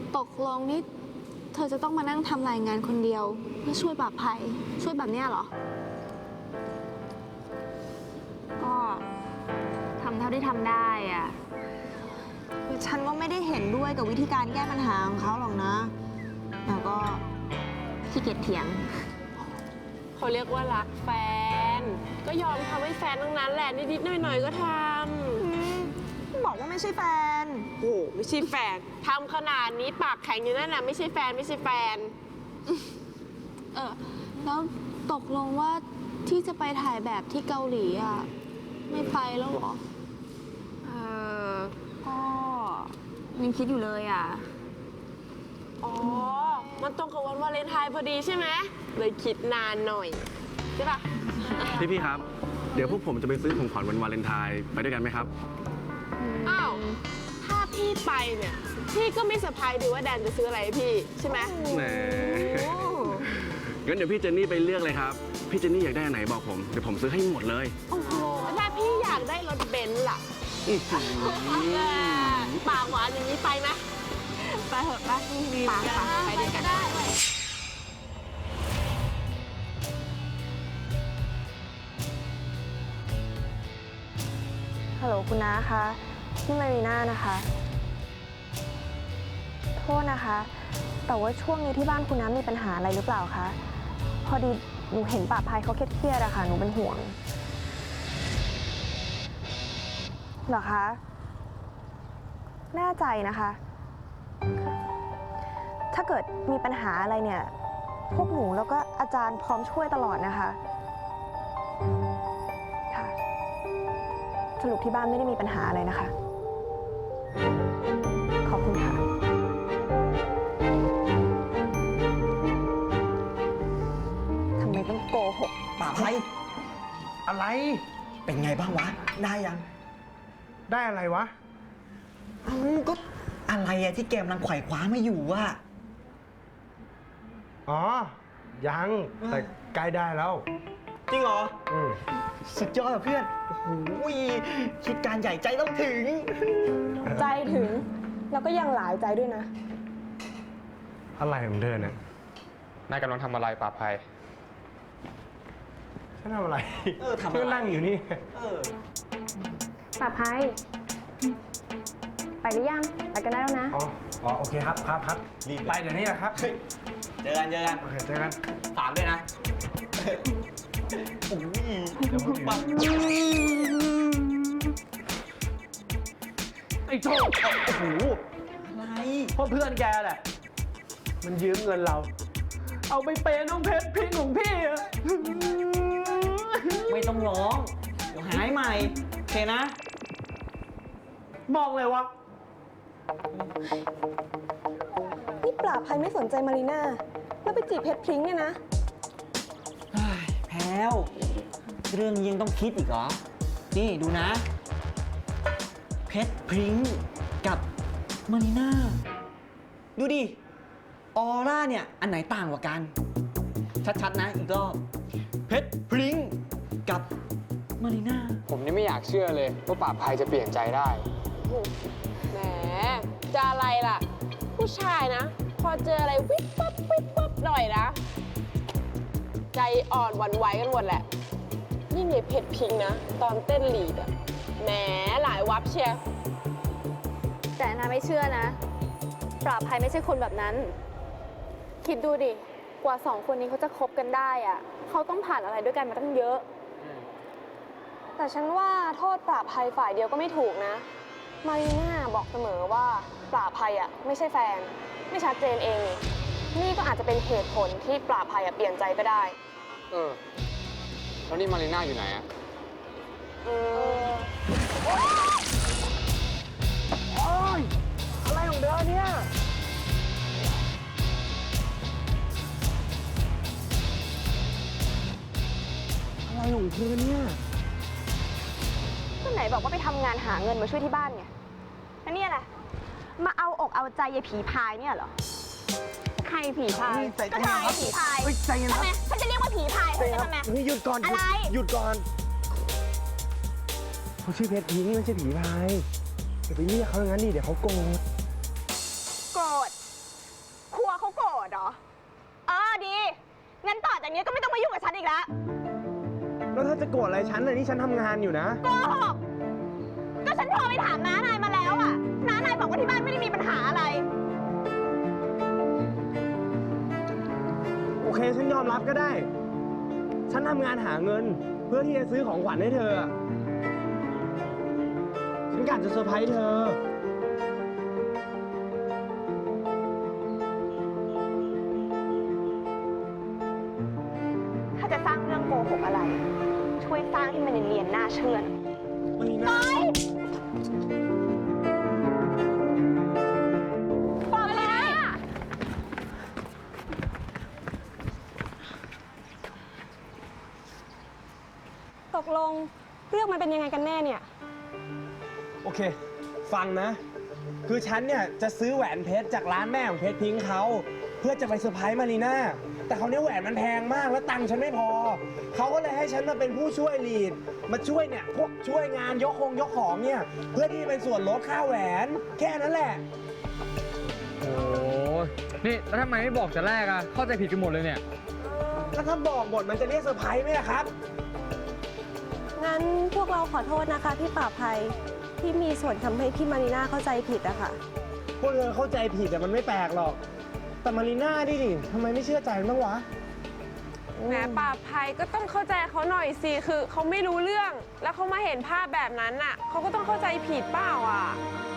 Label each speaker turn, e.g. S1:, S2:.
S1: ตกลงนี่เธอจะต้องมานั่งทำรายงานคนเดียวเพื่อช่วยปราบภัยช่วยแบบเนี้ยเหรอ
S2: ก็ทำเท่าที่ทำได้อ่ะ
S3: ฉันก็ไม่ได้เห็นด้วยกับวิธีการแก้ปัญหาของเขาหรอกนะแต่ก็
S2: ขี้เกียจเถียง
S4: เขาเรียกว่ารักแฟน ก็ยอมทำให้แฟนทั้งนั้นแหละนิดๆหน่อยๆก็ทำ
S3: บอกว่าไม่ใช่แฟน
S4: โอ้โหไม่ใช่แฟนทำขนาดนี้ปากแข็งอยู่นั่นน่ะไม่ใช่แฟนไม่ใช่แฟน
S1: แล้วตกลงว่าที่จะไปถ่ายแบบที่เกาหลีอ่ะไม่ไปแล้วเหรอ
S2: ก็ยังคิดอยู่เลยอ่ะ
S4: อ๋อ มันตรงกับวันวาเลนไทน์พอดีใช่ไหมเลยคิดนานหน่อยใช่ปะ
S5: พี่ครับ เดี๋ยวพวกผมจะไปซื้อของขวัญวันวาเลนไทน์ไปด้วยกันไหมครับ
S4: อ้าว ถ้าพี่ไปเนี่ย พี่ก็ไม่เซอร์ไพรส์ดีว่าแดนจะซื้ออะไรให้พี่ใช่ไหม
S5: แหมงั้นเดี๋ยวพี่เจนนี่ไปเลือกเลยครับ พี่เจนนี่อยากได้อันไหนบอกผม เดี๋ยวผมซื้อให้หมดเลย
S4: โอ้โหถ้าพี่อยากได้รถเบนซ์ล่ะปากหวานอย่างนี้ไปไหมไปเถอะไปดีเหมือนกันไปด้วยกัน
S3: ฮัลโหลคุณน้าคะที่มารีน่านะคะ โทษนะคะ แต่ว่าช่วงนี้ที่บ้านคุณน้ามีปัญหาอะไรหรือเปล่าคะพอดีหนูเห็นป่าพายเขาเครียดๆอะค่ะหนูเป็นห่วงเหรอคะแน่ใจนะคะ ถ้าเกิดมีปัญหาอะไรเนี่ยพวกหนูแล้วก็อาจารย์พร้อมช่วยตลอดนะคะค่ะสรุปที่บ้านไม่ได้มีปัญหาอะไรนะคะขอบคุณค่ะทำไมต้องโกหก
S6: ป่าไพอะไร เป็นไงบ้างวะ ได้ยัง
S7: ได้อะไรวะ
S6: เอ้าก็อะไรอะที่แกมลังไขว่คว้าไม่อยู่อะ
S7: อ๋อ ยัง แต่ใกล้ได้แล้ว
S6: จริงเหรอ
S7: อืม
S6: สุดยอดอะเพื่อน โอ้โหคิดการใหญ่ใจต้องถึง
S3: ใจถึง แล้วก็ยังหลายใจด้วยนะ
S7: อะไรของเธอเนี่ย
S8: นายกำลังทำอะไรป่าภัย
S7: ฉันทำอะไร
S6: ทำอะไร
S7: ฉันก็นั่งอยู่นี่
S6: เออ
S2: ป่าภัย ไปหรือยัง ไปกันได้แล้วนะ
S7: อ๋อ โอเคครับ ครับ
S6: รีบ
S7: ไปเดี๋ยวนี้แหละครับ
S6: เจอกัน
S7: โอเค เจอกัน
S6: ฝากด้วยนะ โอ้ย
S7: เดี๋ยวผมอยู่
S6: ปัง
S7: ไอ้โชค
S6: โอ้โห อะไร
S7: เพราะเพื่อนแกแหละ มันยืมเงินเรา เอาไปเปย์น้องเพชรพริ้งของพี่อะ
S6: ไม่ต้องร้อง เดี๋ยวหายใหม่ โอเคนะ
S7: บอกเลยวะ
S3: นี่ปราบภัยไม่สนใจมารีน่าแล้วไปจีบเพชรพริ้งเนี่ยนะ
S6: แพลวเรื่องนี้ยังต้องคิดอีกเหรอ นี่ดูนะ เพชรพริ้งกับมารีน่า ดูดิ ออร่าเนี่ย อันไหนต่างกว่ากัน ชัดๆนะอีกรอบ เพชรพริ้งกับมารีน่า
S8: ผมนี่ไม่อยากเชื่อเลยว่าป่าภัยจะเปลี่ยนใจได้
S4: แหมจะอะไรล่ะ ผู้ชายนะ พอเจออะไรวิบปั๊บหน่อยนะ ใจอ่อนหวั่นไหวกันหมดแหละ นี่มีเพชรพิงค์นะ ตอนเต้นลีดอะแหมหลายวับเชียร์
S1: แต่นาไม่เชื่อนะ ปราบภัยไม่ใช่คนแบบนั้น คิดดูดิ กว่าสองคนนี้เขาจะคบกันได้อ่ะเขาต้องผ่านอะไรด้วยกันมาตั้งเยอะ
S3: แต่ฉันว่าโทษปราบภัยฝ่ายเดียวก็ไม่ถูกนะ มารีน่าบอกเสมอว่าปราบภัยอ่ะไม่ใช่แฟน ไม่ชัดเจนเองนี่นี่ก็อาจจะเป็นเหตุผลที่ปราบภัยอ่ะเปลี่ยนใจก็ได้
S8: แล้วนี่มารีน่าอยู่ไหนอะ
S7: อะไรของเธอเนี่ย อะไรของเธอเนี่ย
S3: ก็ไหนบอกว่าไปทำงานหาเงินมาช่วยที่บ้านไงแล้วเนี่ยแหละมาเอาอกเอาใจยายผีพายเนี่ยเหรอ ใครผีพาย
S7: ใจเย็น
S3: ก็ใช่
S7: ครับ
S3: ผีพาย
S7: เฮ้ยใจเย็นครับ
S3: ทำไมฉันจะเรียกว่าผีพาย
S7: ใจเย็นค
S3: ทำไม
S7: รับนี่หยุดก่อน
S3: อะไร
S7: หยุดก่อนเขาชื่อเพชรพิงค์ไม่ใช่ผีพายอย่าไปเรียกเขาอย่างนั้นดิเดี๋ยวเขาโกรธ
S3: โกรธยุ่งกับฉันอีกแล้ว
S7: แล้วถ้าจะโกรธอะไรฉันน่ะนี่ฉันทำงานอยู่นะ
S3: โกหกก็ฉันโทรไปถามน้านายมาแล้วอะน้านายบอกว่าที่บ้านไม่ได้มีปัญหาอะไร
S7: โอเคฉันยอมรับก็ได้ ฉันทำงานหาเงินเพื่อที่จะซื้อของขวัญให้เธอ ฉันกะจะเซอร์ไพรส์เธอ
S3: ถ้าจะสร้างเรื่องโกหกอะไร ช่วยสร้างที่มันเนียนๆน่าเชื่อหน่อย
S7: มารีน่า
S3: ปล่อยเลยนะตกลงเรื่องมันเป็นยังไงกันแน่เนี่ย
S7: โอเค ฟังนะ คือฉันเนี่ยจะซื้อแหวนเพชรจากร้านแม่ของเพชรพิงค์เขาเพื่อจะไปเซอร์ไพรส์มารีน่า แต่เขาวเนี่ยแหวนมันแพงมากแล้วตังค์ฉันไม่พอ เขาก็เลยให้ฉันมาเป็นผู้ช่วยลีด มาช่วยเนี่ยพวกช่วยงานยกของเนี่ย เพื่อที่เป็นส่วนลดค่าแหวน แค่นั้นแหละ
S9: โอ้นี่แล้วทำไมไม่บอกแต่แรกอะเข้าใจผิดกันหมดเลยเนี่ย
S7: แล้วถ้าบอกหมดมันจะเรียกเซอร์ไพรส์ไหมล่ะครับ
S10: งั้นพวกเราขอโทษนะคะพี่ป่าภัยที่มีส่วนทำให้พี่มารีน่าเข้าใจผิดอะค่ะ
S7: พวกเธอเข้าใจผิดแต่มันไม่แปลกหรอก แต่มารีน่าดิทำไมไม่เชื่อใจมันบ้างวะ
S4: แหมป่าภัยก็ต้องเข้าใจเขาหน่อยสิ คือเขาไม่รู้เรื่อง แล้วเขามาเห็นภาพแบบนั้นน่ะเขาก็ต้องเข้าใจผิดเปล่าอ่ะ